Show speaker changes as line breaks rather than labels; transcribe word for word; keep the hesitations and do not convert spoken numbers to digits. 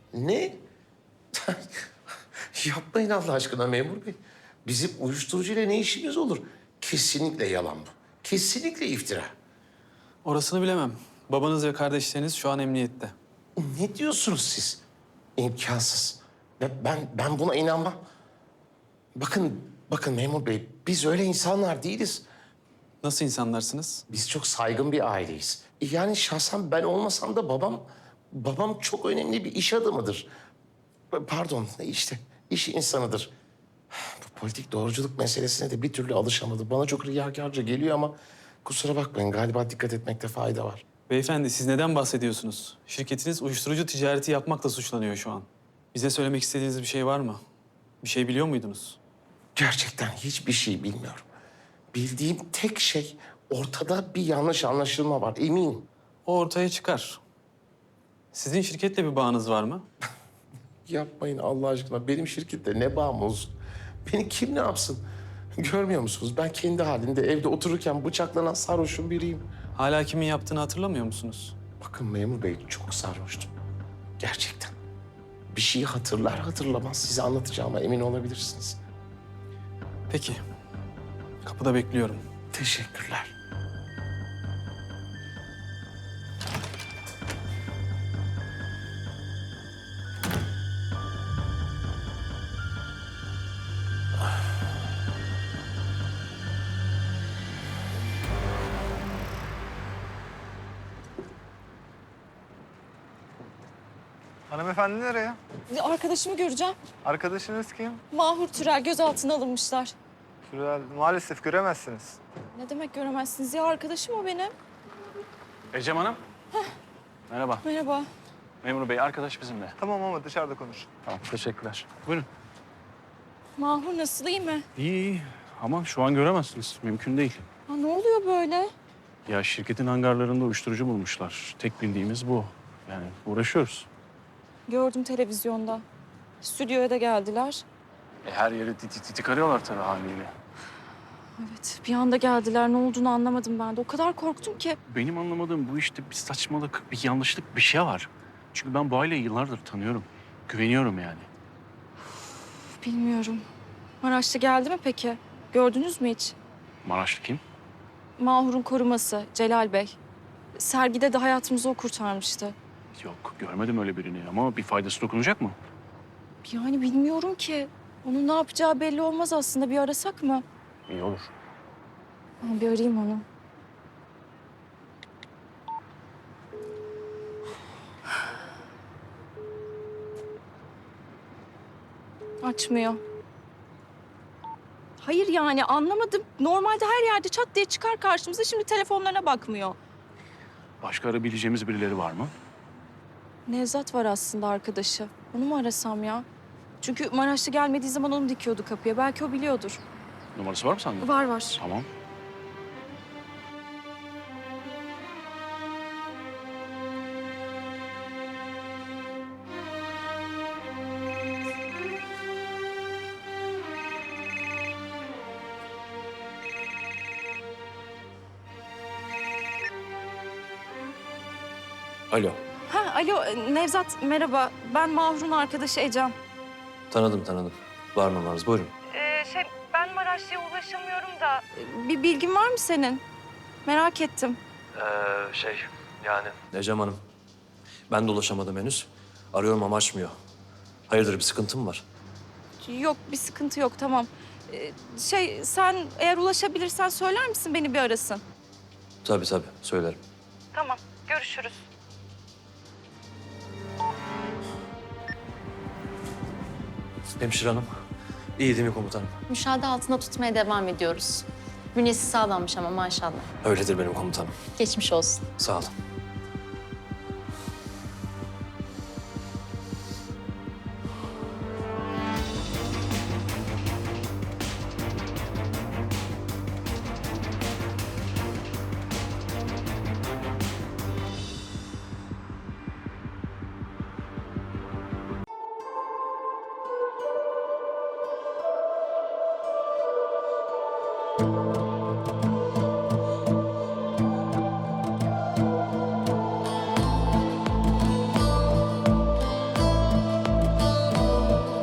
Ne? Yapmayın Allah aşkına memur bey. Bizim uyuşturucuyla ne işimiz olur? Kesinlikle yalan bu. Kesinlikle iftira.
Orasını bilemem. Babanız ve kardeşleriniz şu an emniyette.
Ne diyorsunuz siz? İmkansız. Ben, ben, ben buna inanmam. Bakın, bakın memur bey, biz öyle insanlar değiliz.
Nasıl insanlarsınız?
Biz çok saygın bir aileyiz. Yani şahsen ben olmasam da babam, babam çok önemli bir iş adamıdır. Pardon, işte iş insanıdır. Bu politik doğruculuk meselesine de bir türlü alışamadı. Bana çok riyakarca geliyor ama kusura bakmayın, galiba dikkat etmekte fayda var.
Beyefendi siz neden bahsediyorsunuz? Şirketiniz uyuşturucu ticareti yapmakla suçlanıyor şu an. Bize söylemek istediğiniz bir şey var mı? Bir şey biliyor muydunuz?
Gerçekten hiçbir şey bilmiyorum. Bildiğim tek şey ortada bir yanlış anlaşılma var, eminim.
O ortaya çıkar. Sizin şirketle bir bağınız var mı?
Yapmayın Allah aşkına. Benim şirkette ne bağım olsun? Beni kim ne yapsın? Görmüyor musunuz? Ben kendi halinde evde otururken bıçaklanan sarhoşun biriyim.
Hala kimin yaptığını hatırlamıyor musunuz?
Bakın memur bey çok sarhoştum. Gerçekten. Bir şeyi hatırlar hatırlamaz size anlatacağıma emin olabilirsiniz.
Peki. Kapıda bekliyorum.
Teşekkürler.
Hanımefendi nereye?
Arkadaşımı göreceğim.
Arkadaşınız kim?
Mahur Türel gözaltına alınmışlar.
Sürel, maalesef göremezsiniz.
Ne demek göremezsiniz ya? Arkadaşım o benim.
Ecem Hanım. Merhaba.
Merhaba.
Memur Bey, arkadaş bizimle.
Tamam ama dışarıda konuş.
Tamam, teşekkürler. Buyurun.
Mahur nasıl, iyi mi?
İyi, iyi. Ama şu an göremezsiniz. Mümkün değil.
Ha, ne oluyor böyle?
Ya şirketin hangarlarında uyuşturucu bulmuşlar. Tek bildiğimiz bu. Yani uğraşıyoruz.
Gördüm televizyonda. Stüdyoya da geldiler.
E, her yeri titik titik arıyorlar tabii haliyle.
Evet, bir anda geldiler. Ne olduğunu anlamadım ben de. O kadar korktum ki.
Benim anlamadığım bu işte bir saçmalık, bir yanlışlık, bir şey var. Çünkü ben bu aileyi yıllardır tanıyorum. Güveniyorum yani.
Uf, bilmiyorum. Maraşlı geldi mi peki? Gördünüz mü hiç?
Maraşlı kim?
Mahur'un koruması Celal Bey. Sergide de hayatımızı o kurtarmıştı.
Yok, görmedim öyle birini ama bir faydası dokunacak mı?
Yani bilmiyorum ki. Onun ne yapacağı belli olmaz aslında. Bir arasak mı?
İyi olur.
Ben bir arayayım onu. Açmıyor. Hayır yani anlamadım. Normalde her yerde çat diye çıkar karşımıza. Şimdi telefonlarına bakmıyor.
Başka arayabileceğimiz birileri var mı?
Nevzat var aslında arkadaşı. Onu mu arasam ya? Çünkü Maraşlı gelmediği zaman onu dikiyordu kapıya. Belki o biliyordur.
Numarası var mı sende?
Var var.
Tamam.
Alo.
Ha, alo Nevzat merhaba. Ben Mahur'un arkadaşı Ecem.
Tanıdım tanıdım. Var mı varız? Buyurun.
Ee, şey ben Maraşlı'ya ulaşamıyorum da. Bir bilgin var mı senin? Merak ettim.
Ee, şey yani. Ecem Hanım. Ben de ulaşamadım henüz. Arıyorum ama açmıyor. Hayırdır bir sıkıntı mı var?
Yok bir sıkıntı yok tamam. Ee, şey sen eğer ulaşabilirsen söyler misin beni bir arasın?
Tabii tabii söylerim.
Tamam görüşürüz.
Hemşire hanım. İyi değil mi komutanım?
Müşahede altında tutmaya devam ediyoruz. Bünyesi sağlammış ama maşallah.
Öyledir benim komutanım.
Geçmiş olsun.
Sağ olun.